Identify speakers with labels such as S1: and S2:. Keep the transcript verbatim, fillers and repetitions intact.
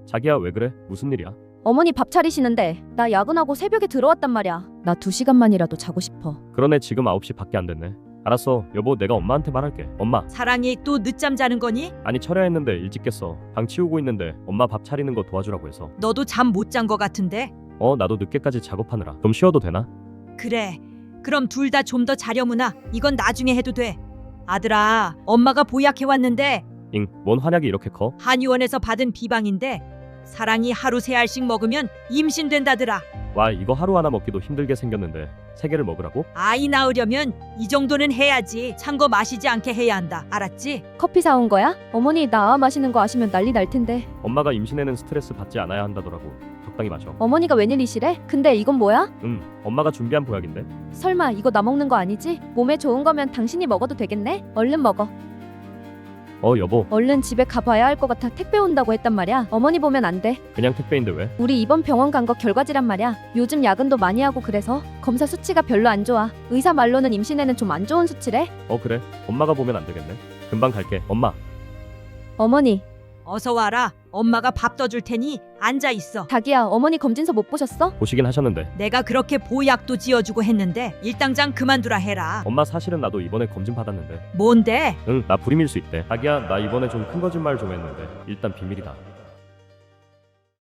S1: 자기야 왜 그래? 무슨 일이야?
S2: 어머니 밥 차리시는데 나 야근하고 새벽에 들어왔단 말이야. 나 두 시간만이라도 자고 싶어.
S1: 그러네 지금 아홉 시 밖에 안 됐네. 알았어 여보 내가 엄마한테 말할게. 엄마.
S3: 사랑이 또 늦잠 자는 거니?
S1: 아니 철야 했는데 일찍 깼어. 방 치우고 있는데 엄마 밥 차리는 거 도와주라고 해서.
S3: 너도 잠 못 잔 거 같은데?
S1: 어 나도 늦게까지 작업하느라. 좀 쉬어도 되나?
S3: 그래. 그럼 둘 다 좀 더 자려무나. 이건 나중에 해도 돼. 아들아, 엄마가 보약해 왔는데
S1: 잉, 뭔 한약이 이렇게 커?
S3: 한의원에서 받은 비방인데 사랑이 하루 세 알씩 먹으면 임신된다더라.
S1: 와 이거 하루 하나 먹기도 힘들게 생겼는데 세 개를 먹으라고?
S3: 아이 낳으려면 이 정도는 해야지. 찬 거 마시지 않게 해야 한다. 알았지?
S2: 커피 사온 거야? 어머니 나 마시는 거 아시면 난리 날 텐데.
S1: 엄마가 임신에는 스트레스 받지 않아야 한다더라고. 적당히 마셔.
S2: 어머니가 웬일이시래? 근데 이건 뭐야?
S1: 음 엄마가 준비한 보약인데.
S2: 설마 이거 나 먹는 거 아니지? 몸에 좋은 거면 당신이 먹어도 되겠네? 얼른 먹어.
S1: 어 여보
S2: 얼른 집에 가봐야 할 것 같아. 택배 온다고 했단 말이야. 어머니 보면 안 돼.
S1: 그냥 택배인데 왜?
S2: 우리 이번 병원 간 거 결과지란 말이야. 요즘 야근도 많이 하고 그래서 검사 수치가 별로 안 좋아. 의사 말로는 임신에는 좀 안 좋은 수치래.
S1: 어 그래? 엄마가 보면 안 되겠네. 금방 갈게. 엄마.
S2: 어머니,
S3: 어서 와라. 엄마가 밥 떠줄 테니 앉아 있어.
S2: 자기야 어머니 검진서 못 보셨어?
S1: 보시긴 하셨는데.
S3: 내가 그렇게 보약도 지어주고 했는데 일당장 그만두라 해라.
S1: 엄마 사실은 나도 이번에 검진 받았는데.
S3: 뭔데?
S1: 응 나 불임일 수 있대. 자기야 나 이번에 좀 큰 거짓말 좀 했는데 일단 비밀이다.